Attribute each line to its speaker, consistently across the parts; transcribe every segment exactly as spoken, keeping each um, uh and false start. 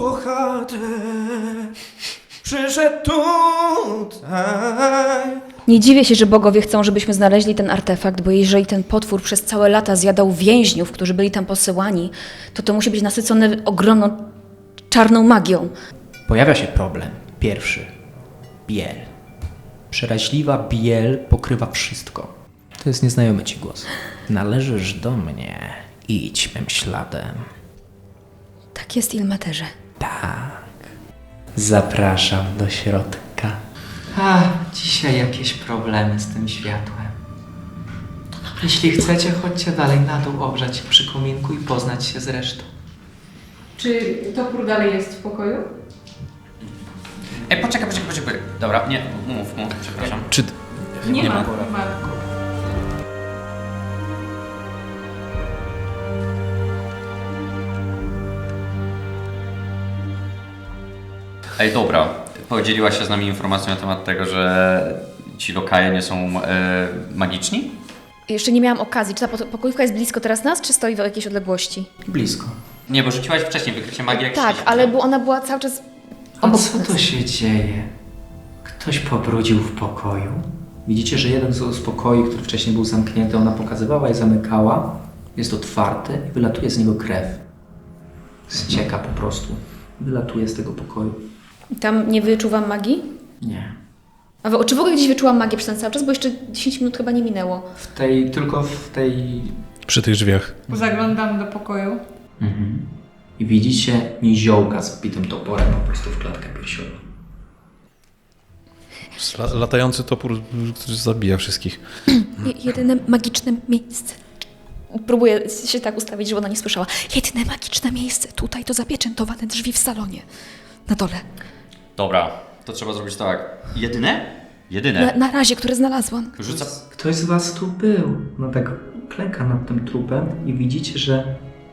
Speaker 1: bohater przyszedł tutaj.
Speaker 2: Nie dziwię się, że bogowie chcą, żebyśmy znaleźli ten artefakt, bo jeżeli ten potwór przez całe lata zjadał więźniów, którzy byli tam posyłani, to to musi być nasycone ogromną czarną magią.
Speaker 1: Pojawia się problem. Pierwszy. Biel. Przeraźliwa biel pokrywa wszystko. To jest nieznajomy ci głos. Należysz do mnie. Idź mym śladem.
Speaker 2: Tak jest, Ilmaterze.
Speaker 1: Tak. Zapraszam do środka.
Speaker 3: A, dzisiaj jakieś problemy z tym światłem. Jeśli chcecie, chodźcie dalej na dół ogrzać się przy kominku i poznać się z resztą.
Speaker 4: Czy topór dalej jest w pokoju?
Speaker 5: Ej, poczekaj, poczekaj, poczekaj. Dobra, nie, mów, mów, przepraszam.
Speaker 1: Czy...
Speaker 4: Nie,
Speaker 1: Nie
Speaker 4: ma.
Speaker 1: ma.
Speaker 4: Nie ma.
Speaker 5: Ej, dobra. Podzieliłaś się z nami informacją na temat tego, że ci lokaje nie są e, magiczni?
Speaker 2: Jeszcze nie miałam okazji. Czy ta po- pokojówka jest blisko teraz nas, czy stoi w jakiejś odległości?
Speaker 1: Blisko.
Speaker 5: Nie, bo rzuciłaś wcześniej wykrycie magii jak
Speaker 2: Tak,
Speaker 5: szliśmy.
Speaker 2: ale bu- ona była cały czas
Speaker 3: A
Speaker 2: obok
Speaker 3: co
Speaker 2: nas.
Speaker 3: tu się dzieje? Ktoś pobrudził w pokoju?
Speaker 1: Widzicie, że jeden z z pokoi, który wcześniej był zamknięty, ona pokazywała i zamykała, jest otwarty i wylatuje z niego krew. Ścieka po prostu. Wylatuje z tego pokoju.
Speaker 2: Tam nie wyczuwam magii?
Speaker 1: Nie.
Speaker 2: A w- czy w ogóle gdzieś wyczułam magię przez ten cały czas? Bo jeszcze dziesięć minut chyba nie minęło.
Speaker 1: W tej, tylko w tej...
Speaker 6: Przy tych drzwiach.
Speaker 4: Zaglądam do pokoju.
Speaker 1: Mhm. I widzicie niziołka z wbitym toporem po prostu w klatkę piersiową.
Speaker 6: La- latający topór, który zabija wszystkich.
Speaker 2: Je- jedyne magiczne miejsce. Próbuję się tak ustawić, żeby ona nie słyszała. Jedyne magiczne miejsce. Tutaj to zapieczętowane drzwi w salonie. Na dole.
Speaker 5: Dobra, to trzeba zrobić tak. Jedyne? Jedyne.
Speaker 2: Na, na razie, które znalazłam.
Speaker 5: Rzuca...
Speaker 1: Ktoś z was tu był. No tak klęka nad tym trupem i widzicie, że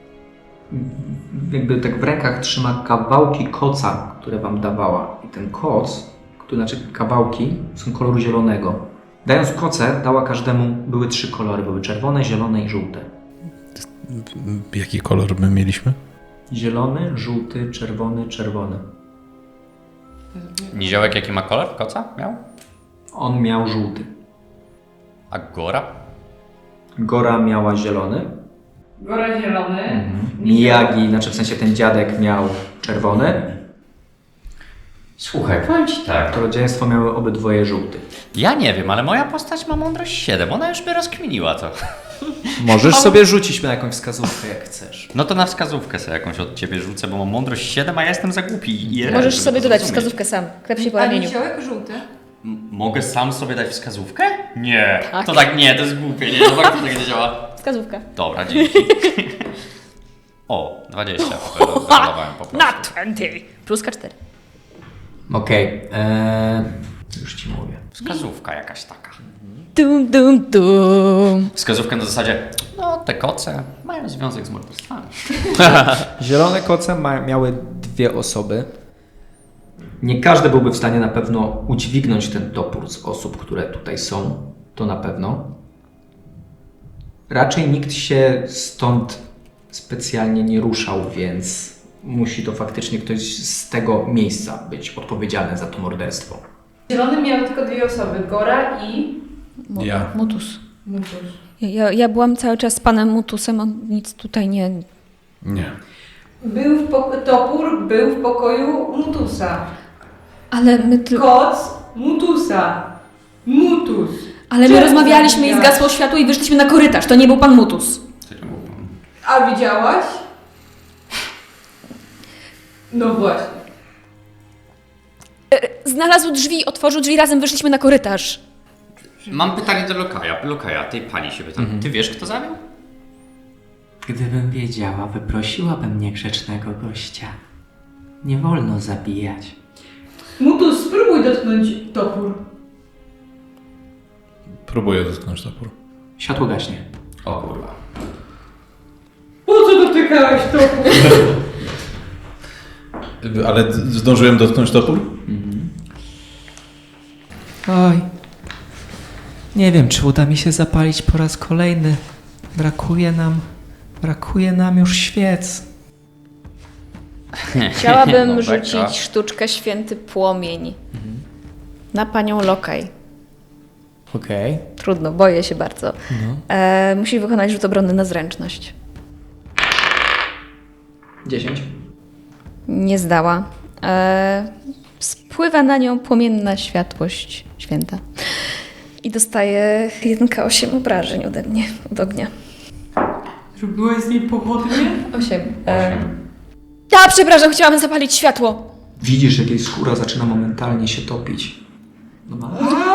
Speaker 1: jakby tak w rękach trzyma kawałki koca, które wam dawała. I ten koc, który, znaczy kawałki, są koloru zielonego. Dając koce, dała każdemu, były trzy kolory. Były czerwone, zielone i żółte.
Speaker 6: Jaki kolor my mieliśmy?
Speaker 1: Zielony, żółty, czerwony, czerwony.
Speaker 5: Niziołek jaki ma kolor? Koca miał?
Speaker 1: On miał żółty.
Speaker 5: A Gora?
Speaker 1: Gora miała zielony.
Speaker 4: Gora zielony.
Speaker 1: Mhm. Miyagi, znaczy w sensie ten dziadek miał czerwony.
Speaker 5: Słuchaj, powiem ci tak.
Speaker 1: To rodzeństwo miały obydwoje żółty.
Speaker 5: Ja nie wiem, ale moja postać ma mądrość siedem. Ona już by rozkminiła to.
Speaker 1: Możesz sobie rzucić na jakąś wskazówkę, jak chcesz.
Speaker 5: No to na wskazówkę sobie jakąś od ciebie rzucę, bo mam mądrość siedem, a ja jestem za głupi. I
Speaker 2: Możesz
Speaker 5: żeby
Speaker 2: sobie
Speaker 5: to
Speaker 2: dodać
Speaker 5: zrozumieć.
Speaker 2: wskazówkę sam. Klep się po
Speaker 4: A
Speaker 2: ramieniu.
Speaker 4: niziołek żółty.
Speaker 5: M- Mogę sam sobie dać wskazówkę? Nie.
Speaker 2: Tak.
Speaker 5: To tak nie, to jest głupie, nie? No tak to tak nie działa.
Speaker 2: Wskazówka.
Speaker 5: Dobra, dzięki. O, dwadzieścia. Wyrolowałem po prostu.
Speaker 2: Na dwadzieścia. Pluska cztery.
Speaker 1: Okej, eee, już ci mówię.
Speaker 5: Wskazówka jakaś taka.
Speaker 2: Dum, dum, dum.
Speaker 5: Wskazówka na zasadzie, no te koce mają związek z morderstwami.
Speaker 1: Zielone koce ma, miały dwie osoby. Nie każdy byłby w stanie na pewno udźwignąć ten topór z osób, które tutaj są. To na pewno. Raczej nikt się stąd specjalnie nie ruszał, więc musi to faktycznie ktoś z tego miejsca być odpowiedzialny za to morderstwo.
Speaker 4: Zielony miał tylko dwie osoby. Gora i
Speaker 2: Mu-
Speaker 6: Ja.
Speaker 2: Mutus.
Speaker 4: Mutus.
Speaker 2: Ja, ja, ja byłam cały czas z panem Mutusem, on nic tutaj nie...
Speaker 6: Nie.
Speaker 4: Był w poko- topór był w pokoju Mutusa.
Speaker 2: Ale my tylko...
Speaker 4: Koc Mutusa. Mutus.
Speaker 2: Ale my
Speaker 4: Czemu
Speaker 2: rozmawialiśmy i
Speaker 4: zabijasz?
Speaker 2: zgasło światło i wyszliśmy na korytarz. To nie był pan Mutus.
Speaker 4: A widziałaś? No właśnie.
Speaker 2: Znalazł drzwi, otworzył drzwi, razem wyszliśmy na korytarz.
Speaker 5: Mam pytanie do Lokaja. Lokaja, tej pani się pytam. Ty wiesz, kto zabił?
Speaker 3: Gdybym wiedziała, wyprosiłabym niegrzecznego gościa. Nie wolno zabijać.
Speaker 4: Mutus, spróbuj dotknąć topór.
Speaker 6: Próbuję dotknąć topór.
Speaker 1: Światło gaśnie.
Speaker 5: O kurwa.
Speaker 4: Po co dotykałeś topór?
Speaker 6: Ale d- zdążyłem dotknąć topór?
Speaker 3: Oj. Nie wiem, czy uda mi się zapalić po raz kolejny. Brakuje nam... Brakuje nam już świec.
Speaker 2: Chciałabym
Speaker 5: No,
Speaker 2: rzucić
Speaker 5: beka.
Speaker 2: sztuczkę Święty Płomień na panią Lokaj.
Speaker 1: Okej.
Speaker 2: Trudno, boję się bardzo. E, musi wykonać rzut obronny na zręczność.
Speaker 3: dziesięć.
Speaker 2: Nie zdała. E, spływa na nią płomienna światłość święta. I dostaje jeden K osiem obrażeń ode mnie, od ognia.
Speaker 4: Zrobiłeś z niej pochodnie?
Speaker 2: osiem. E, a, przepraszam, chciałam zapalić światło.
Speaker 3: Widzisz, jak jej skóra zaczyna momentalnie się topić. No ma...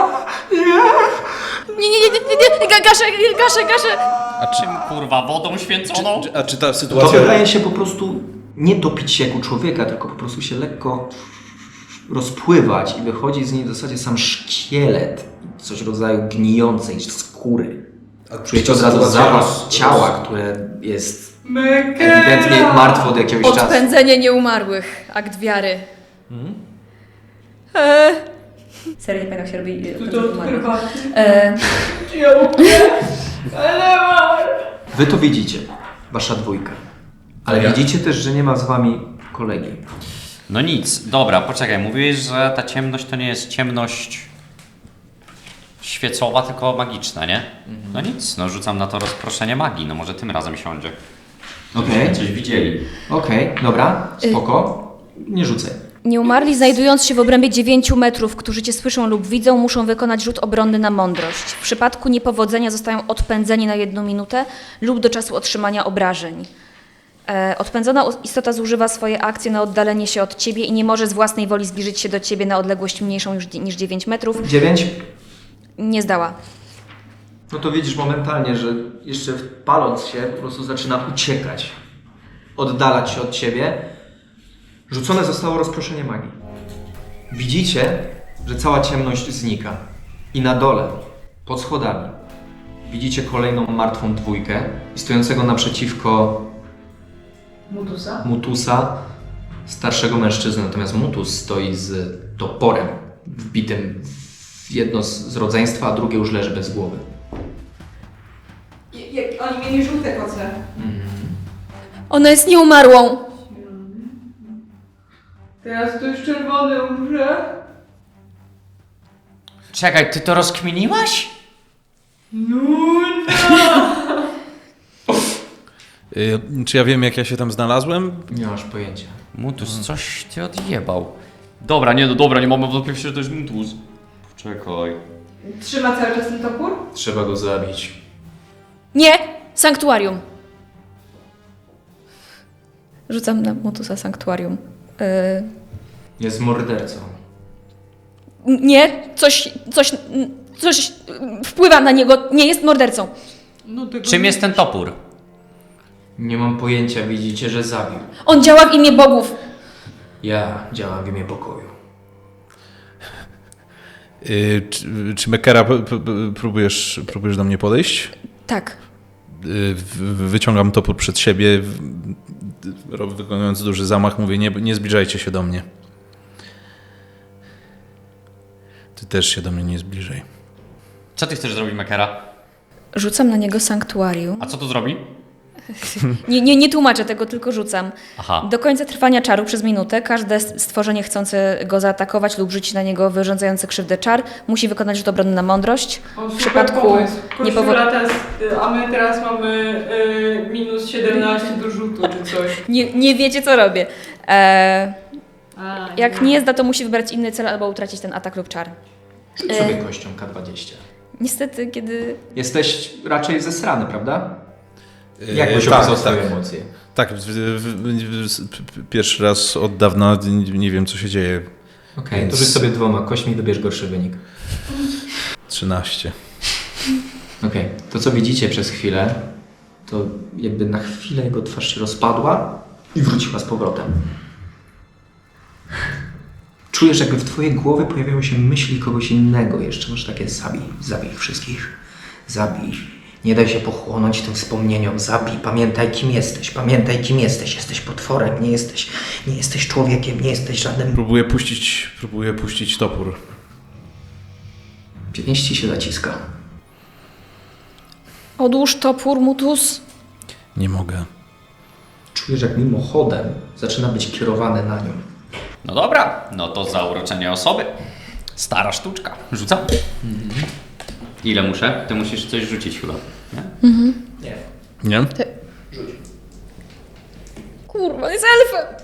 Speaker 2: Nie, nie, nie, nie, nie, nie, gaszę, gaszę, gaszę.
Speaker 5: A czym kurwa? Wodą święconą?
Speaker 6: A czy ta
Speaker 3: To
Speaker 6: sytuacja...
Speaker 3: wydaje się po prostu nie topić się jak u człowieka, tylko po prostu się lekko rozpływać i wychodzi z niej w zasadzie sam szkielet, coś w rodzaju gnijącej skóry. Czujecie od razu zapach ciała, które jest ewidentnie martwe od jakiegoś czasu.
Speaker 2: Odpędzenie nieumarłych. Akt wiary. E, serio, nie pamiętam, jak się robi
Speaker 4: To
Speaker 2: odpędzenie
Speaker 4: to od
Speaker 2: nieumarłych.
Speaker 4: herbaty.
Speaker 2: E,
Speaker 4: Ja mówię, ale mam.
Speaker 3: Wy to widzicie, wasza dwójka. Ale
Speaker 6: Ja.
Speaker 3: widzicie też, że nie ma z wami kolegi.
Speaker 5: No nic, dobra, poczekaj, mówiłeś, że ta ciemność to nie jest ciemność świecowa, tylko magiczna, nie? No nic, no rzucam na to rozproszenie magii, no może tym razem siądzie.
Speaker 3: Okej,
Speaker 5: Coś widzieli.
Speaker 3: okej, dobra, spoko. Nie rzucaj.
Speaker 2: Nieumarli, znajdując się w obrębie dziewięciu metrów, którzy cię słyszą lub widzą, muszą wykonać rzut obronny na mądrość. W przypadku niepowodzenia zostają odpędzeni na jedną minutę lub do czasu otrzymania obrażeń. E, odpędzona istota zużywa swoje akcje na oddalenie się od ciebie i nie może z własnej woli zbliżyć się do ciebie na odległość mniejszą niż, niż dziewięć metrów.
Speaker 3: Dziewięć.
Speaker 2: Nie zdała.
Speaker 3: No to widzisz momentalnie, że jeszcze paląc się po prostu zaczyna uciekać. Oddalać się od ciebie. Rzucone zostało rozproszenie magii. Widzicie, że cała ciemność znika. I na dole, pod schodami, widzicie kolejną martwą dwójkę i stojącego naprzeciwko
Speaker 4: Mutusa?
Speaker 3: Mutusa, starszego mężczyzny. Natomiast Mutus stoi z toporem wbitym w jedno z, z rodzeństwa, a drugie już leży bez głowy.
Speaker 4: Jak oni mieli żółte koce.
Speaker 2: Ona jest nieumarłą.
Speaker 4: Teraz to już czerwony umrze.
Speaker 5: Czekaj, ty to rozkminiłaś?
Speaker 4: No,
Speaker 6: Y, czy ja wiem, jak ja się tam znalazłem?
Speaker 3: Nie masz pojęcia.
Speaker 5: Mutus, coś ty odjebał. Dobra, nie, no dobra, nie mamy wątpliwości, że to jest Mutus. Poczekaj.
Speaker 4: trzyma cały czas ten topór?
Speaker 3: Trzeba go zabić.
Speaker 2: Nie! Sanktuarium. Rzucam na Mutusa sanktuarium. E,
Speaker 3: Jest mordercą.
Speaker 2: nie, coś, coś, coś wpływa na niego. Nie jest mordercą.
Speaker 4: No tego
Speaker 5: Czym jest ten topór?
Speaker 3: Nie mam pojęcia, widzicie, że zabił.
Speaker 2: On działa w imię bogów.
Speaker 3: Ja działam w imię pokoju.
Speaker 6: Y, czy, czy Mekera p- p- próbujesz, próbujesz do mnie podejść?
Speaker 2: Tak.
Speaker 6: Y, w- wyciągam topór przed siebie, w- ro- wykonując duży zamach, mówię, nie, nie zbliżajcie się do mnie. Ty też się do mnie nie zbliżaj.
Speaker 5: Co ty chcesz zrobić, Mekera?
Speaker 2: Rzucam na niego sanktuarium.
Speaker 5: A co to zrobi?
Speaker 2: Nie, nie, nie tłumaczę tego, tylko rzucam.
Speaker 5: Aha.
Speaker 2: Do końca trwania czaru przez minutę każde stworzenie chcące go zaatakować lub rzucić na niego wyrządzające krzywdę czar musi wykonać rzut obronny na mądrość.
Speaker 4: O,
Speaker 2: W przypadku
Speaker 4: nie
Speaker 2: niepowo-
Speaker 4: teraz, a my teraz mamy y, minus siedemnaście do rzutu czy coś.
Speaker 2: Nie, nie wiecie, co robię. E,
Speaker 4: A,
Speaker 2: jak nie zda, to musi wybrać inny cel albo utracić ten atak lub czar.
Speaker 3: Rzuć
Speaker 2: E.
Speaker 3: sobie kością K dwadzieścia.
Speaker 2: Niestety, kiedy...
Speaker 3: Jesteś raczej zesrany, prawda?
Speaker 6: Y,
Speaker 3: Jak byś
Speaker 6: tak,
Speaker 3: opisał
Speaker 6: tak.
Speaker 3: swoje emocje?
Speaker 6: Tak, w, w, w, p- pierwszy raz od dawna nie, nie wiem, co się dzieje.
Speaker 3: Okej,
Speaker 6: Więc-
Speaker 3: to rzuć sobie dwoma kośćmi i dobierz gorszy wynik.
Speaker 6: trzynaście.
Speaker 3: Okej, to co widzicie przez chwilę, to jakby na chwilę jego twarz się rozpadła i wróciła z powrotem. Czujesz, jakby w twojej głowie pojawiały się myśli kogoś innego jeszcze. Masz takie zabij, zabij ich wszystkich. Zabij. Nie daj się pochłonąć tym wspomnieniom. Zabij. Pamiętaj, kim jesteś. Pamiętaj, kim jesteś. Jesteś potworem. Nie jesteś, nie jesteś człowiekiem. Nie jesteś żadnym...
Speaker 6: Próbuję puścić, próbuję puścić topór.
Speaker 3: Pięści się zaciska.
Speaker 2: Odłóż topór, Mutus.
Speaker 6: Nie mogę.
Speaker 3: Czujesz, jak mimochodem zaczyna być kierowane na nią.
Speaker 5: No dobra, no to zauroczenie osoby. Stara sztuczka. Rzucam. Ile muszę? Ty musisz coś rzucić chyba. Nie?
Speaker 3: Nie.
Speaker 6: Nie?
Speaker 2: Kurwa, jest elfem!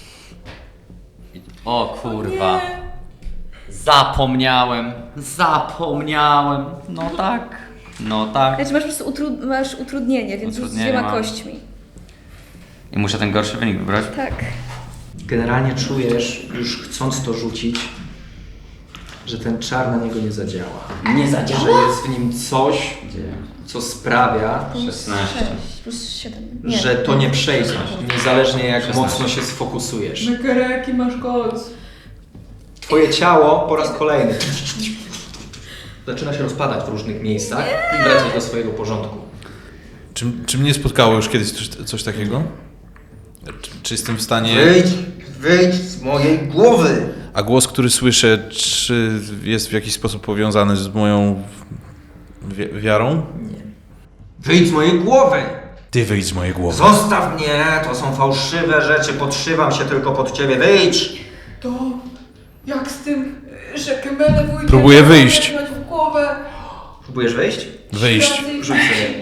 Speaker 5: O kurwa. Zapomniałem. Zapomniałem. No tak. No tak.
Speaker 2: Znaczy masz po prostu utrud- masz utrudnienie, więc rzuć z
Speaker 5: Utrudnienie
Speaker 2: dwiema
Speaker 5: mam.
Speaker 2: kośćmi.
Speaker 5: I muszę ten gorszy wynik wybrać?
Speaker 2: Tak.
Speaker 3: Generalnie czujesz, już chcąc to rzucić, że ten czar na niego nie zadziała. Nie zadziała? Że jest w nim coś, co sprawia,
Speaker 5: szesnaście.
Speaker 2: sześć plus siedem. Nie.
Speaker 3: że to nie przejdzie, niezależnie jak
Speaker 5: szesnaście.
Speaker 3: mocno się sfokusujesz.
Speaker 4: Mykere, jaki masz koc?
Speaker 3: Twoje ciało po raz kolejny zaczyna się rozpadać w różnych miejscach i wracać do swojego porządku.
Speaker 6: Czy, czy mnie spotkało już kiedyś coś, coś takiego? Czy, czy jestem w stanie...
Speaker 3: Wyjdź, wyjdź z mojej głowy!
Speaker 6: A głos, który słyszę, czy jest w jakiś sposób powiązany z moją wi- wiarą?
Speaker 3: Wyjdź z mojej głowy!
Speaker 6: Ty wyjdź z mojej głowy.
Speaker 3: Zostaw mnie, to są fałszywe rzeczy, podszywam się tylko pod ciebie, wyjdź!
Speaker 4: To jak z tym, że Kemele wujkiem
Speaker 6: Próbuję wyjść.
Speaker 4: w głowę.
Speaker 3: Próbujesz wyjść?
Speaker 6: Wyjść.
Speaker 3: Rzuć sobie.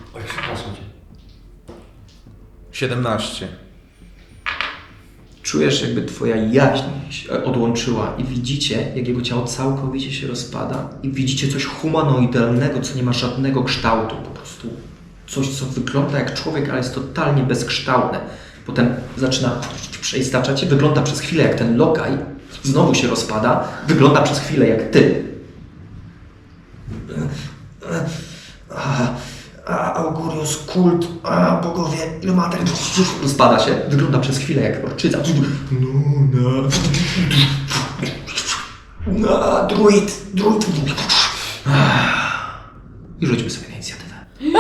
Speaker 6: siedemnaście.
Speaker 3: Czujesz, jakby twoja jaźń się odłączyła i widzicie, jak jego ciało całkowicie się rozpada i widzicie coś humanoidalnego, co nie ma żadnego kształtu, po prostu coś, co wygląda jak człowiek, ale jest totalnie bezkształtne. Potem zaczyna przeistaczać się, wygląda przez chwilę jak ten lokaj, znowu się rozpada, wygląda przez chwilę jak ty. A, a, Augurius, kult, a, bogowie, Ilmater, rozpada się, wygląda przez chwilę jak orczyca. No, no. No, druid, druid. I rzućmy sobie na inicjatywę.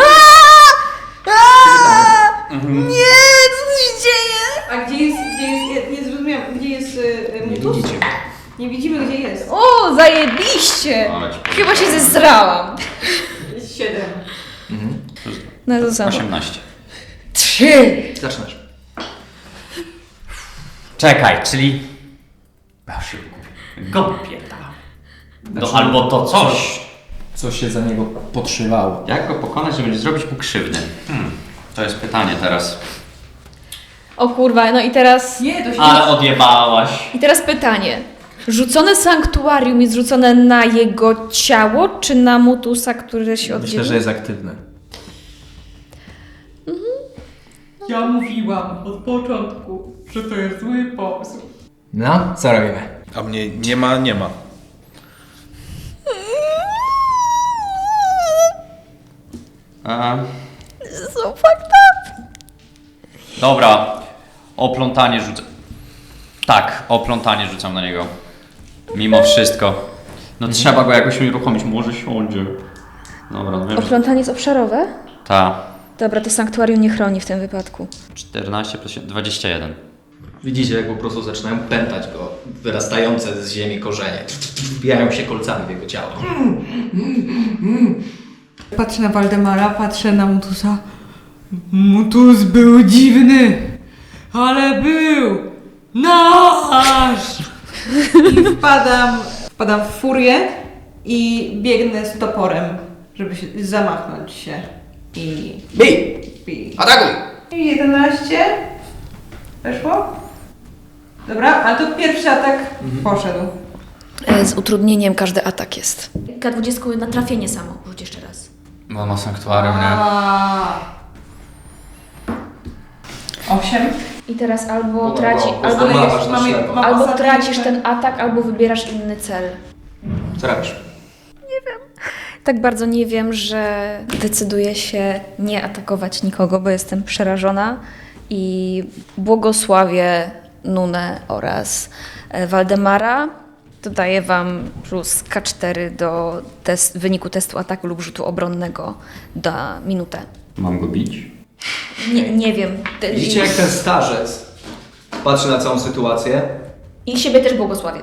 Speaker 2: Nie, co się dzieje?
Speaker 4: A gdzie jest, gdzie jest, nie, nie zrozumiałam, gdzie jest y,
Speaker 3: Nie
Speaker 4: Mutus?
Speaker 3: widzicie go.
Speaker 4: Nie widzimy, gdzie jest.
Speaker 2: O, zajebiście!
Speaker 5: Ale ci powiem.
Speaker 2: Chyba się zesrałam.
Speaker 4: Jest siedem.
Speaker 2: No to samo.
Speaker 5: osiemnaście.
Speaker 2: Trzy!
Speaker 3: Zaczynasz.
Speaker 5: Czekaj, czyli... Ja się go pierdalam. No albo to coś.
Speaker 1: Co się za niego podszywało.
Speaker 5: Jak go pokonać, żeby nie zrobić mu krzywdy? Hmm. To jest pytanie teraz.
Speaker 2: O kurwa, no i teraz...
Speaker 4: Nie, to się
Speaker 5: Ale odjebałaś.
Speaker 2: I teraz pytanie. Rzucone sanktuarium jest rzucone na jego ciało, czy na Mutusa, który się oddzielił?
Speaker 3: Myślę, że jest aktywny.
Speaker 4: Ja mówiłam od początku, że to jest zły pomysł.
Speaker 3: No, co robimy?
Speaker 6: A mnie nie ma, nie ma.
Speaker 5: E,
Speaker 2: So fucked up.
Speaker 5: dobra. Oplątanie rzucam. Tak, oplątanie rzucam na niego. Mimo wszystko. No trzeba go jakoś uruchomić. Może siądzie. Dobra, no wiem, że...
Speaker 2: Oplątanie jest obszarowe?
Speaker 5: Ta.
Speaker 2: Dobra, to sanktuarium nie chroni w tym wypadku.
Speaker 5: czternaście plus siedem, dwadzieścia jeden.
Speaker 3: Widzicie, jak po prostu zaczynają pętać go wyrastające z ziemi korzenie. Wbijają się kolcami w jego ciało.
Speaker 4: Patrzę na Waldemara, patrzę na Mutusa. Mutus był dziwny, ale był nasz! I wpadam, wpadam w furię i biegnę z toporem, żeby się zamachnąć się. I...
Speaker 3: Bij!
Speaker 4: i...
Speaker 3: Atakuj!
Speaker 4: I jedenaście. Weszło? Dobra, ale to pierwszy atak poszedł.
Speaker 2: E, Z utrudnieniem każdy atak jest. K dwadzieścia na trafienie samo. Rzuć jeszcze raz.
Speaker 5: Bo ma sanktuarium, nie?
Speaker 4: A. Osiem.
Speaker 2: I teraz albo
Speaker 3: Dobra,
Speaker 2: traci,
Speaker 3: bo- bo
Speaker 2: albo,
Speaker 3: zamawiasz
Speaker 2: albo,
Speaker 3: na ślepo.
Speaker 4: mam
Speaker 2: albo
Speaker 4: ostatni
Speaker 2: tracisz
Speaker 4: ten-
Speaker 2: ten atak, albo wybierasz inny cel.
Speaker 3: Co robisz?
Speaker 2: Tak bardzo nie wiem, że decyduję się nie atakować nikogo, bo jestem przerażona i błogosławię Nunę oraz e, Waldemara. Dodaję Wam plus K cztery do test, wyniku testu ataku lub rzutu obronnego na minutę.
Speaker 5: Mam go bić?
Speaker 2: Nie, nie wiem. Te-
Speaker 3: Widzicie, jak ten starzec patrzy na całą sytuację?
Speaker 2: I siebie też błogosławię.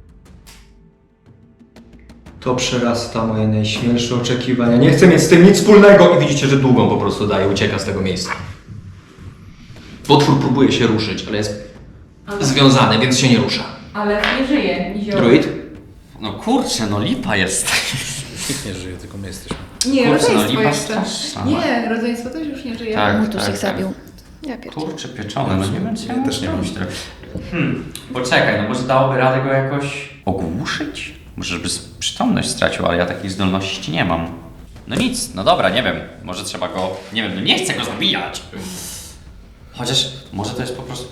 Speaker 3: To przerasta moje najśmielsze oczekiwania. Nie chcę mieć z tym nic wspólnego i widzicie, że długą po prostu daje, ucieka z tego miejsca. Potwór próbuje się ruszyć, ale jest związany, więc się nie rusza.
Speaker 4: Ale nie żyje, nizioł.
Speaker 3: Druid?
Speaker 5: No kurczę, no lipa jest.
Speaker 6: Nikt nie żyje, tylko my jesteśmy.
Speaker 7: Nie,
Speaker 5: Kurczę, no
Speaker 7: rodzeństwo
Speaker 5: lipa
Speaker 7: jeszcze.
Speaker 5: straszna.
Speaker 7: Nie, rodzeństwo też już nie żyje.
Speaker 5: Tak,
Speaker 2: Mutus
Speaker 5: tak,
Speaker 2: ich
Speaker 5: tak.
Speaker 2: zabił. Ja pierdolę.
Speaker 5: Kurczę, pieczone, no nie wiem, co ja
Speaker 6: Ja
Speaker 5: mam
Speaker 6: też nie mam.
Speaker 5: zrobić teraz. Hmm, poczekaj, no może dałoby radę go jakoś ogłuszyć? Może żeby z- przytomność stracił, ale ja takiej zdolności nie mam. No nic, no dobra, nie wiem, może trzeba go, nie wiem, no nie chcę go zabijać. Chociaż może to jest po prostu...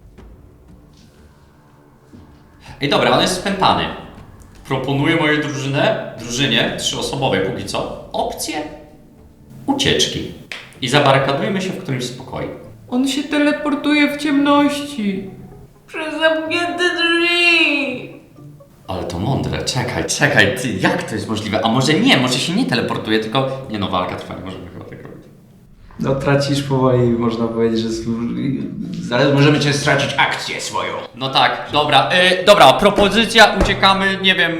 Speaker 5: Ej dobra, on jest spętany. Proponuję mojej drużynę, drużynie trzyosobowej póki co, opcję ucieczki. I zabarykadujmy się w którymś z pokoi.
Speaker 4: On się teleportuje w ciemności. Przez zamknięte drzwi.
Speaker 5: Ale to mądre, czekaj, czekaj, ty, jak to jest możliwe? A może nie, może się nie teleportuje, tylko... Nie no, walka trwa, nie możemy chyba tak robić.
Speaker 3: No tracisz powoli, można powiedzieć, że... Zaraz możemy cię stracić akcję swoją.
Speaker 5: No tak, dobra, y, dobra, propozycja, uciekamy, nie wiem...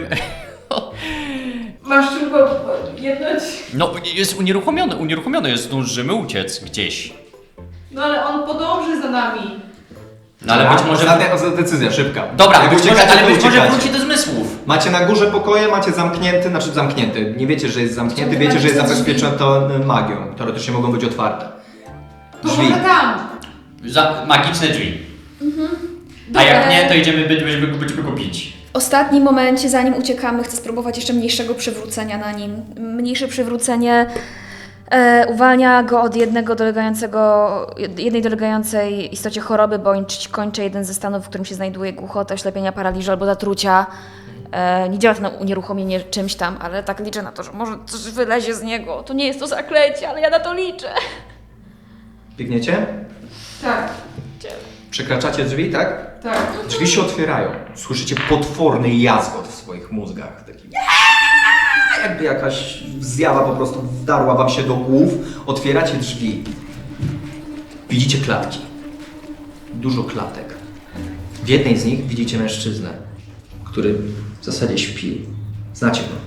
Speaker 4: Masz tylko jedność.
Speaker 5: No, jest unieruchomiony, unieruchomiony jest, zdążymy uciec gdzieś.
Speaker 4: No ale on podąży za nami.
Speaker 5: No ale być może...
Speaker 3: Ostatnia ostatnia decyzja, szybka.
Speaker 5: Dobra,
Speaker 3: Jak
Speaker 5: być może,
Speaker 3: uciekacie,
Speaker 5: ale
Speaker 3: to
Speaker 5: być może
Speaker 3: uciekacie.
Speaker 5: wróci do zmysłów.
Speaker 3: Macie na górze pokoje, macie zamknięty, znaczy zamknięty. Nie wiecie, że jest zamknięty,
Speaker 2: Ciągle
Speaker 3: wiecie, że jest
Speaker 2: magiczne drzwi.
Speaker 3: zabezpieczony magią. Teoretycznie mogą być otwarte.
Speaker 4: To
Speaker 3: Drzwi.
Speaker 4: może tam.
Speaker 5: Za magiczne drzwi. A jak nie, to idziemy, będziemy, będziemy go bić.
Speaker 2: W ostatnim momencie, zanim uciekamy, chcę spróbować jeszcze mniejszego przywrócenia na nim. Mniejsze przywrócenie e, uwalnia go od jednego dolegającego, jednej dolegającej istocie choroby, bądź kończy jeden ze stanów, w którym się znajduje głuchota, oślepienia, paraliżu albo zatrucia. E, nie działa to na unieruchomienie czymś tam, ale tak liczę na to, że może coś wylezie z niego. To nie jest to zaklęcie, ale ja na to liczę.
Speaker 3: Biegniecie?
Speaker 4: Tak,
Speaker 3: Przekraczacie drzwi, tak?
Speaker 4: tak.
Speaker 3: Drzwi się otwierają. Słyszycie potworny jazgot w swoich mózgach. Taki... Jakby jakaś zjawa po prostu wdarła wam się do głów. Otwieracie drzwi. Widzicie klatki. Dużo klatek. W jednej z nich widzicie mężczyznę, który w zasadzie śpi. Znacie go.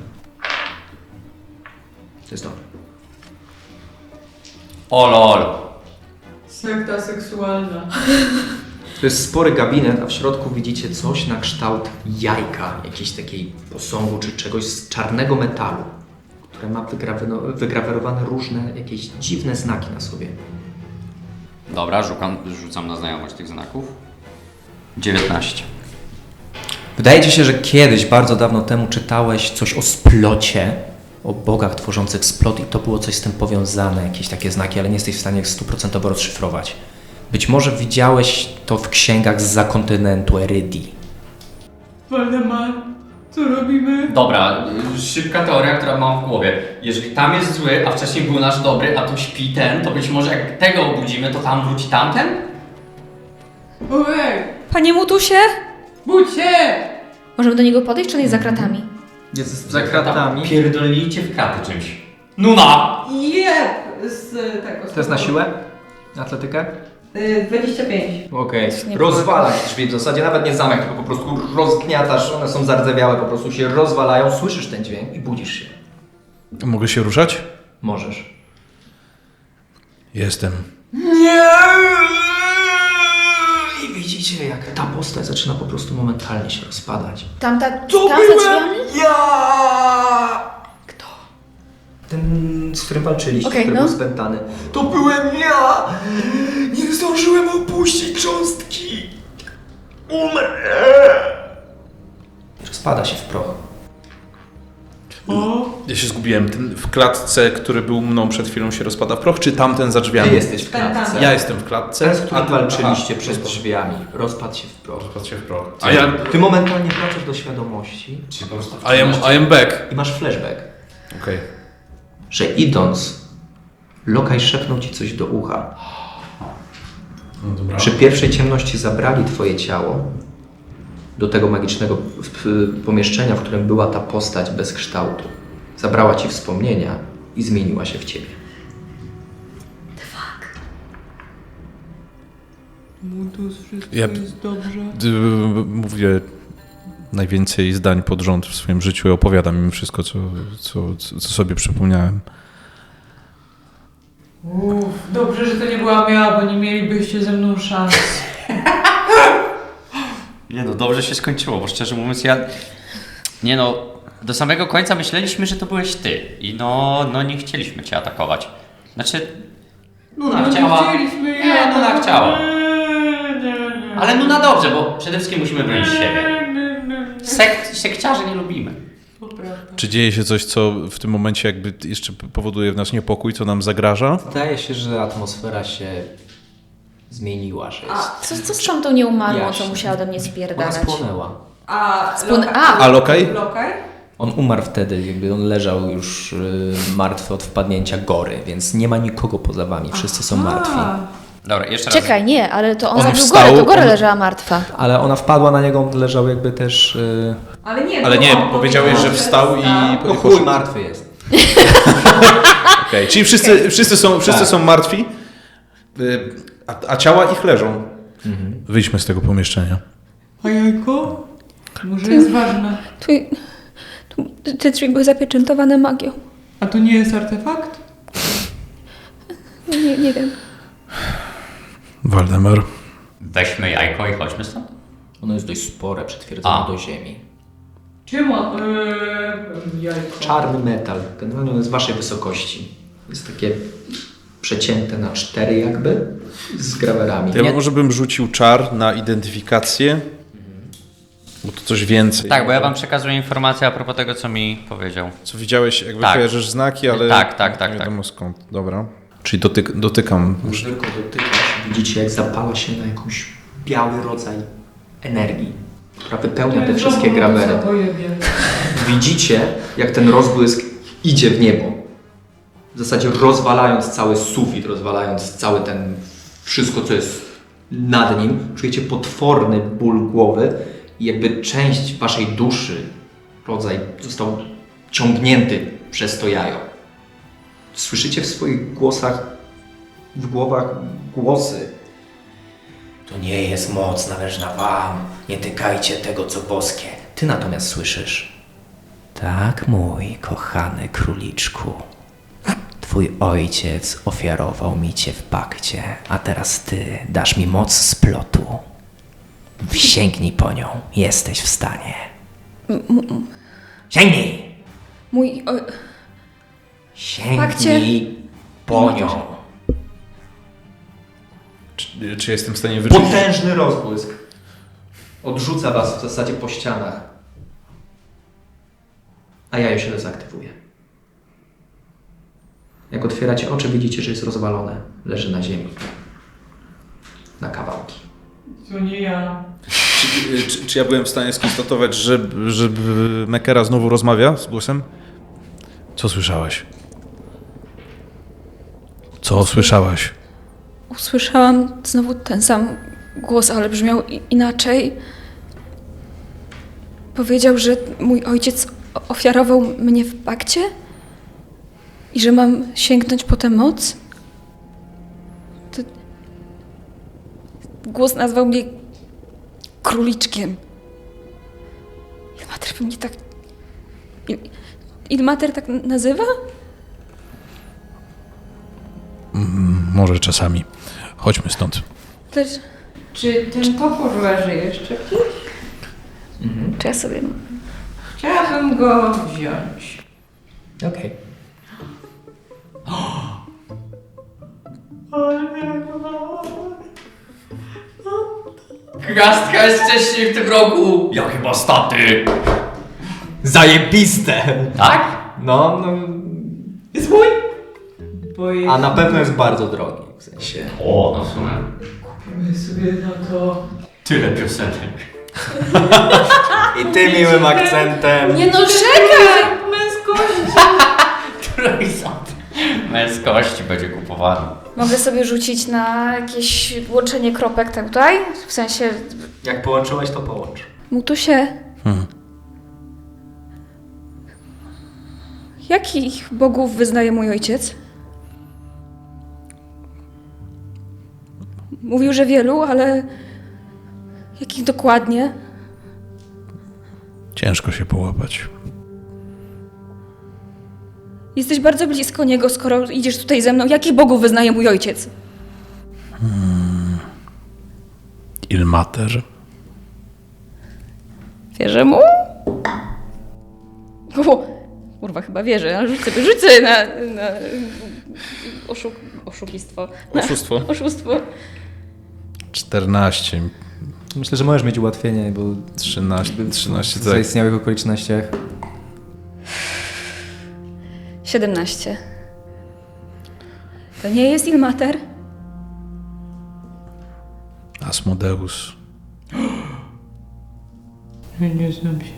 Speaker 3: To jest on.
Speaker 5: O lol.
Speaker 4: Sekta seksualna.
Speaker 3: To jest spory gabinet, a w środku widzicie coś na kształt jajka, jakiejś takiej posągu czy czegoś z czarnego metalu, które ma wygrawe- wygrawerowane różne jakieś dziwne znaki na sobie.
Speaker 5: Dobra, rzucam, rzucam na znajomość tych znaków. dziewiętnaście.
Speaker 1: Wydaje ci się, że kiedyś, bardzo dawno temu czytałeś coś o splocie, o bogach tworzących splot i to było coś z tym powiązane, jakieś takie znaki, ale nie jesteś w stanie stuprocentowo rozszyfrować. Być może widziałeś to w księgach zza kontynentu Erydii.
Speaker 4: Waldemar, co robimy?
Speaker 5: Dobra, y, szybka teoria, która mam w głowie. Jeżeli tam jest zły, a wcześniej był nasz dobry, a tu śpi ten, to być może jak tego obudzimy, to tam wróci tamten?
Speaker 4: Ojej,
Speaker 2: Panie Mutusie?
Speaker 4: budź się!
Speaker 2: Możemy do niego podejść, czy on jest za kratami?
Speaker 3: Jest za kratami.
Speaker 5: Pierdolnijcie w kraty czymś. Nuna!
Speaker 4: Jeb! Z tego.
Speaker 3: To jest na siłę? Atletykę?
Speaker 4: Y, dwadzieścia pięć.
Speaker 3: Okej.
Speaker 2: Nie
Speaker 3: Rozwalasz drzwi, w zasadzie nawet nie zamek, tylko po prostu rozgniatasz, one są zardzewiałe, po prostu się rozwalają, słyszysz ten dźwięk i budzisz się.
Speaker 6: Mogę się ruszać?
Speaker 3: Możesz.
Speaker 6: Jestem.
Speaker 3: I widzicie, jak ta postać zaczyna po prostu momentalnie się rozpadać.
Speaker 2: Tamta, tam za drzwiami?
Speaker 3: ja! Kto? Ten, z którym walczyliście,
Speaker 2: Okej,
Speaker 3: który
Speaker 2: no.
Speaker 3: był spętany. To byłem ja! Nie zdążyłem opuścić cząstki! Umrę! Rozpada się w proch.
Speaker 6: Ja się zgubiłem. Ten w klatce, który był mną przed chwilą, się rozpada w proch, czy tamten za drzwiami?
Speaker 3: Ty jesteś w klatce.
Speaker 6: Ja jestem w klatce.
Speaker 3: Ten, z którym
Speaker 6: ty-
Speaker 3: walczyliście
Speaker 6: aha,
Speaker 3: przed drzwiami. Rozpadł się w proch.
Speaker 6: rozpadł się w proch. A ja...
Speaker 3: Ty momentalnie wracasz do świadomości
Speaker 5: Czy po prostu
Speaker 6: I am, I am back.
Speaker 3: i masz flashback,
Speaker 6: Okej.
Speaker 3: że idąc, Lokaj szepnął ci coś do ucha.
Speaker 6: No dobra.
Speaker 3: Przy pierwszej ciemności zabrali twoje ciało do tego magicznego w- pomieszczenia, w którym była ta postać bez kształtu. Zabrała ci wspomnienia i zmieniła się w ciebie.
Speaker 4: Mutus, wszystko
Speaker 6: Ja-
Speaker 4: jest dobrze.
Speaker 6: D- Mówię najwięcej zdań pod rząd w swoim życiu i opowiadam im wszystko, co, co, co sobie przypomniałem.
Speaker 4: Uff, dobrze, że to nie była ja, bo nie mielibyście ze mną szans.
Speaker 5: Nie no, dobrze się skończyło, bo szczerze mówiąc ja... Nie no, do samego końca myśleliśmy, że to byłeś ty. I no, no nie chcieliśmy cię atakować. Znaczy... Nuna
Speaker 4: No,
Speaker 5: chciała...
Speaker 4: nie chcieliśmy
Speaker 5: Nie,
Speaker 4: ja.
Speaker 5: Nuna chciała.
Speaker 4: Nie, nie, nie.
Speaker 5: Ale Nuna dobrze, bo przede wszystkim musimy bronić siebie.
Speaker 4: Nie, nie, nie.
Speaker 5: Sekt, sekciarzy nie lubimy.
Speaker 4: To prawda.
Speaker 6: Czy dzieje się coś, co w tym momencie jakby jeszcze powoduje w nas niepokój, co nam zagraża?
Speaker 1: Zdaje się, że atmosfera się zmieniła, że jest...
Speaker 2: Co, co z tamtą nieumarłą, co
Speaker 1: Jaśnie.
Speaker 2: musiała do mnie
Speaker 1: Ona
Speaker 2: spierdalać?
Speaker 1: spłonęła.
Speaker 4: A,
Speaker 2: Spłon-
Speaker 4: loka-
Speaker 2: a!
Speaker 6: A lokaj?
Speaker 4: Lokaj?
Speaker 1: On umarł wtedy, jakby on leżał już y, martwy od wpadnięcia gory, więc nie ma nikogo poza wami, wszyscy są martwi.
Speaker 4: A,
Speaker 5: Dobra, jeszcze raz.
Speaker 2: Czekaj, nie, ale to on,
Speaker 6: On
Speaker 2: zabił
Speaker 6: wstał,
Speaker 2: Gorę, to Gora
Speaker 6: on-
Speaker 2: leżała martwa.
Speaker 1: Ale ona wpadła na niego, on leżał jakby też... Y,
Speaker 4: ale nie,
Speaker 6: Ale
Speaker 4: to
Speaker 6: nie,
Speaker 4: on
Speaker 6: powiedziałeś,
Speaker 4: powiedział,
Speaker 6: że wstał i...
Speaker 1: no chuj, martwy jest.
Speaker 6: Okej, czyli wszyscy, wszyscy, są, wszyscy
Speaker 1: Tak.
Speaker 6: są martwi, y, a, a ciała ich leżą. Wyjdźmy z tego pomieszczenia.
Speaker 4: A jajko? Może jest ważne.
Speaker 2: Tu, tu, te drzwi były zapieczętowane magią.
Speaker 4: A to nie jest artefakt?
Speaker 2: Nie, nie wiem.
Speaker 6: Waldemar.
Speaker 5: Weźmy jajko i chodźmy stąd.
Speaker 1: Ono jest dość spore, przytwierdzone
Speaker 5: A.
Speaker 1: do ziemi.
Speaker 4: Czemu? Eee, jajko.
Speaker 3: Czarny metal, generalnie on jest waszej wysokości. Jest takie przecięte na cztery jakby, z grawerami.
Speaker 6: To ja
Speaker 1: Nie-
Speaker 6: może bym rzucił czar na identyfikację, bo to coś więcej.
Speaker 5: Tak, bo ja wam przekazuję informację a propos tego, co mi powiedział.
Speaker 6: Co widziałeś, jakby
Speaker 5: Tak.
Speaker 6: kojarzysz znaki, ale
Speaker 5: Tak, tak, tak,
Speaker 6: nie
Speaker 5: tak.
Speaker 6: wiadomo skąd. Dobra. Czyli dotyk, dotykam.
Speaker 3: Już tylko dotykasz, widzicie jak zapala się na jakąś biały rodzaj energii, która wypełnia te wszystkie grawery. Widzicie, jak ten rozbłysk idzie w niebo. W zasadzie rozwalając cały sufit, rozwalając cały ten, wszystko co jest nad nim. Czujecie potworny ból głowy i jakby część waszej duszy, rodzaj został ciągnięty przez to jajo. Słyszycie w swoich głosach, w głowach głosy.
Speaker 1: To nie jest moc należna wam, nie tykajcie tego, co boskie. Ty natomiast słyszysz. Tak, mój kochany króliczku. Twój ojciec ofiarował mi cię w pakcie, a teraz ty dasz mi moc splotu. Sięgnij po nią, jesteś w stanie. Sięgnij!
Speaker 2: Mój... O,
Speaker 1: Sięgnij po nią.
Speaker 6: Czy, czy jestem w stanie wyczuć?
Speaker 3: Potężny rozbłysk. Odrzuca was w zasadzie po ścianach. A jajo się dezaktywuje. Jak otwieracie oczy, widzicie, że jest rozwalone. Leży na ziemi. Na kawałki.
Speaker 4: To nie ja.
Speaker 6: Czy, czy, czy ja byłem w stanie skonstatować, że, że Mekera znowu rozmawia z głosem? Co słyszałeś? Co słyszałaś?
Speaker 2: usłyszałam znowu ten sam głos, ale brzmiał i- inaczej. Powiedział, że mój ojciec o- ofiarował mnie w pakcie i że mam sięgnąć po tę moc. To... Głos nazwał mnie króliczkiem. Ilmater mnie tak... Il... Ilmater tak nazywa?
Speaker 6: Może czasami. Chodźmy stąd.
Speaker 2: Też...
Speaker 4: Czy ten topór leży jeszcze?
Speaker 2: Czy ja sobie...
Speaker 4: Chciałabym go wziąć.
Speaker 1: Okej.
Speaker 5: Gwiazdka jest wcześniej w tym roku! Ja chyba staty!
Speaker 3: Zajebiste!
Speaker 5: Tak?
Speaker 3: No, no... Jest mój!
Speaker 4: Bo jest...
Speaker 3: A na pewno jest bardzo drogi. W sensie...
Speaker 5: O, no w sumie.
Speaker 4: My sobie na to...
Speaker 5: Tyle piosenek.
Speaker 3: I ty miłym akcentem.
Speaker 2: Nie no, czekaj!
Speaker 4: Męskości!
Speaker 5: Trójząt. Męskości będzie kupowany.
Speaker 2: Mogę sobie rzucić na jakieś łączenie kropek tak tutaj? W sensie,
Speaker 3: Jak połączyłeś, to połącz.
Speaker 2: Mutusie,
Speaker 6: Hmm.
Speaker 2: jakich bogów wyznaje mój ojciec? Mówił, że wielu, ale jakich dokładnie?
Speaker 6: Ciężko się połapać.
Speaker 2: Jesteś bardzo blisko niego, skoro idziesz tutaj ze mną. Jakich bogów wyznaje mój ojciec?
Speaker 6: Ilmater.
Speaker 2: Wierzę mu? O, kurwa, chyba wierzę, ale rzuć sobie, rzuć sobie na, na oszuk, oszukistwo. Na
Speaker 6: Oszustwo.
Speaker 2: oszustwo.
Speaker 6: czternaście.
Speaker 1: Myślę, że możesz mieć ułatwienie, bo
Speaker 6: trzynaście, trzynaście
Speaker 1: w
Speaker 6: tak.
Speaker 1: zaistniałych okolicznościach.
Speaker 2: siedemnaście. To nie jest Ilmater?
Speaker 6: Asmodeus.
Speaker 4: Nie znam się.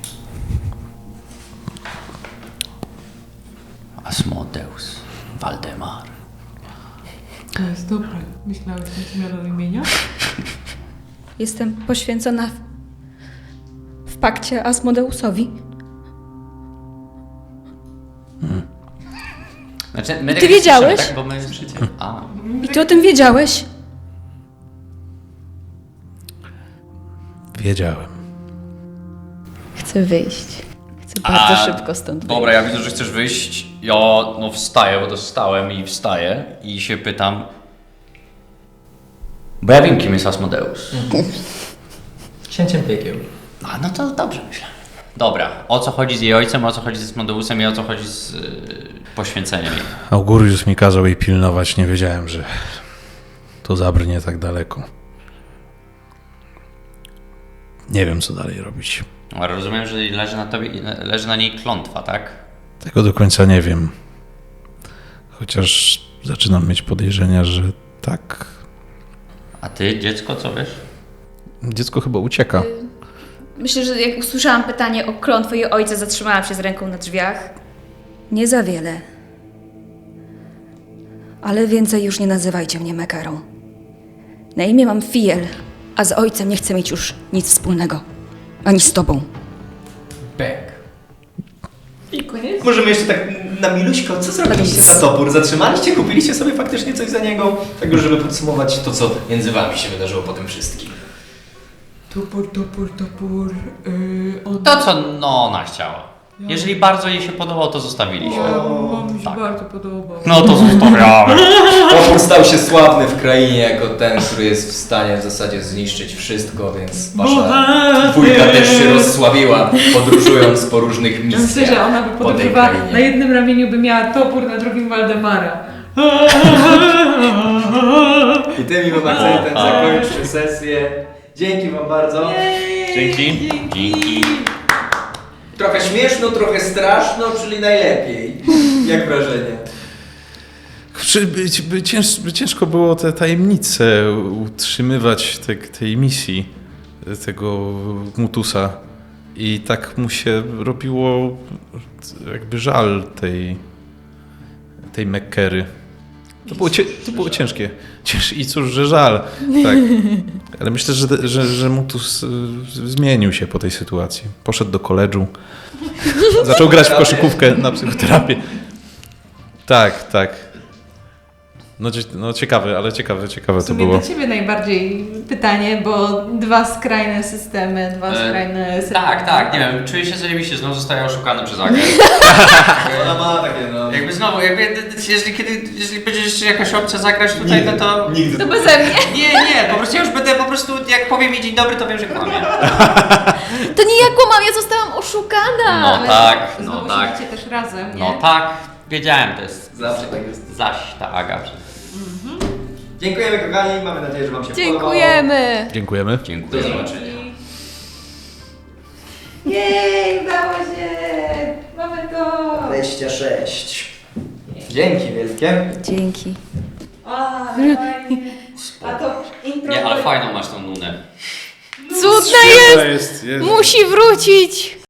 Speaker 5: Asmodeus. Waldemar.
Speaker 4: To jest dobre. Myślałeś na zmianę imienia?
Speaker 2: Jestem poświęcona w, w pakcie Asmodeusowi.
Speaker 5: Znaczy, my
Speaker 2: Ty
Speaker 5: tak
Speaker 2: wiedziałeś?
Speaker 5: słyszymy, tak? Bo my życie. A.
Speaker 2: I ty o tym wiedziałeś?
Speaker 6: Wiedziałem.
Speaker 2: Chcę wyjść. Chcę bardzo
Speaker 5: A,
Speaker 2: szybko stąd wyjść.
Speaker 5: Dobra, ja widzę, że chcesz wyjść. Ja no wstaję, bo to wstałem i wstaję i się pytam. Bo ja wiem, kim jest Asmodeus.
Speaker 3: Księciem piekieł.
Speaker 5: A no to dobrze myślę. Dobra, o co chodzi z jej ojcem, o co chodzi z Asmodeusem i o co chodzi z yy, poświęceniem jej.
Speaker 6: Augurius mi kazał jej pilnować. Nie wiedziałem, że to zabrnie tak daleko. Nie wiem, co dalej robić.
Speaker 5: Ale rozumiem, że leży na tobie, leży na niej klątwa, tak?
Speaker 6: Tego do końca nie wiem. Chociaż zaczynam mieć podejrzenia, że tak.
Speaker 5: A ty, dziecko, co wiesz?
Speaker 6: Dziecko chyba ucieka.
Speaker 2: Myślę, że jak usłyszałam pytanie o klątwę jej ojca, zatrzymałam się z ręką na drzwiach. Nie za wiele. Ale więcej już nie nazywajcie mnie Mekarą. Na imię mam Fiel, a z ojcem nie chcę mieć już nic wspólnego. Ani z tobą.
Speaker 3: Bek.
Speaker 4: I koniec?
Speaker 3: Możemy jeszcze tak na miluśko, co zrobiliście za topór? Zatrzymaliście? Kupiliście sobie faktycznie coś za niego? Tak już, żeby podsumować to, co między wami się wydarzyło po tym wszystkim.
Speaker 4: Topór, topór, topór. Yy, on...
Speaker 5: To, co no, ona chciała. Jeżeli bardzo jej się podobał, to zostawiliśmy.
Speaker 4: Bo mi się
Speaker 5: Tak.
Speaker 4: bardzo podobał.
Speaker 5: No to zostawiamy.
Speaker 3: Topór stał się sławny w krainie jako ten, który jest w stanie w zasadzie zniszczyć wszystko, więc wasza dwójka też się rozsławiła, podróżując po różnych
Speaker 4: Ja myślę, że
Speaker 3: misjach
Speaker 4: ona by
Speaker 3: po tej
Speaker 4: podróżowała,
Speaker 3: krainie.
Speaker 4: na jednym ramieniu by miała topór, na drugim Waldemara.
Speaker 3: I tym miłym akcentem zakończmy sesję. Dzięki wam bardzo.
Speaker 5: Dzięki. Dzięki.
Speaker 3: Trochę śmieszno, trochę straszno, czyli najlepiej. Jak wrażenie?
Speaker 6: Czy by, by, cięż, by ciężko było te tajemnice utrzymywać te, tej misji tego Mutusa i tak mu się robiło jakby żal tej tej Mekkery. To było, cie, to było ciężkie. Cięż, I cóż, że żal. Tak. Ale myślę, że, że, że Mutus y, zmienił się po tej sytuacji. Poszedł do koledżu. Zaczął grać w koszykówkę na psychoterapię. Tak, tak. No, cie- no ciekawe, ale ciekawe, ciekawe
Speaker 4: W
Speaker 6: to
Speaker 4: sumie
Speaker 6: było.
Speaker 4: do ciebie najbardziej pytanie, bo dwa skrajne systemy, dwa
Speaker 5: E,
Speaker 4: skrajne systemy.
Speaker 5: Tak, tak, nie wiem, czuję się zajebiście, znowu zostaję oszukany przez Agę.
Speaker 3: Ona ma takie no...
Speaker 5: Jakby znowu, jakby, jeżeli, kiedy, jeżeli będzie jeszcze jakaś opcja zagrać tutaj, no to...
Speaker 3: Nigdy.
Speaker 2: To beze mnie.
Speaker 5: Nie, nie, po prostu ja już będę po prostu, jak powiem mi dzień dobry, to wiem, że kłamie.
Speaker 2: To nie ja kłamam, ja zostałam oszukana.
Speaker 5: No tak, no
Speaker 4: Znowu
Speaker 5: tak.
Speaker 4: siedzicie też razem, nie?
Speaker 5: No tak, wiedziałem, to jest...
Speaker 3: Zawsze tak jest.
Speaker 5: Zaś ta Aga.
Speaker 3: Dziękujemy kochani, mamy nadzieję, że wam się podobało.
Speaker 2: Dziękujemy.
Speaker 6: Dziękujemy.
Speaker 5: Dziękuję.
Speaker 3: Do zobaczenia.
Speaker 4: Jej, udało się! Mamy to!
Speaker 3: dwadzieścia sześć. Dzięki wielkie.
Speaker 2: Dzięki.
Speaker 4: A, fajnie. A to impro...
Speaker 5: Nie, ale fajną masz tą nunę.
Speaker 2: Cudna jest!
Speaker 6: jest, jest.
Speaker 2: Musi wrócić.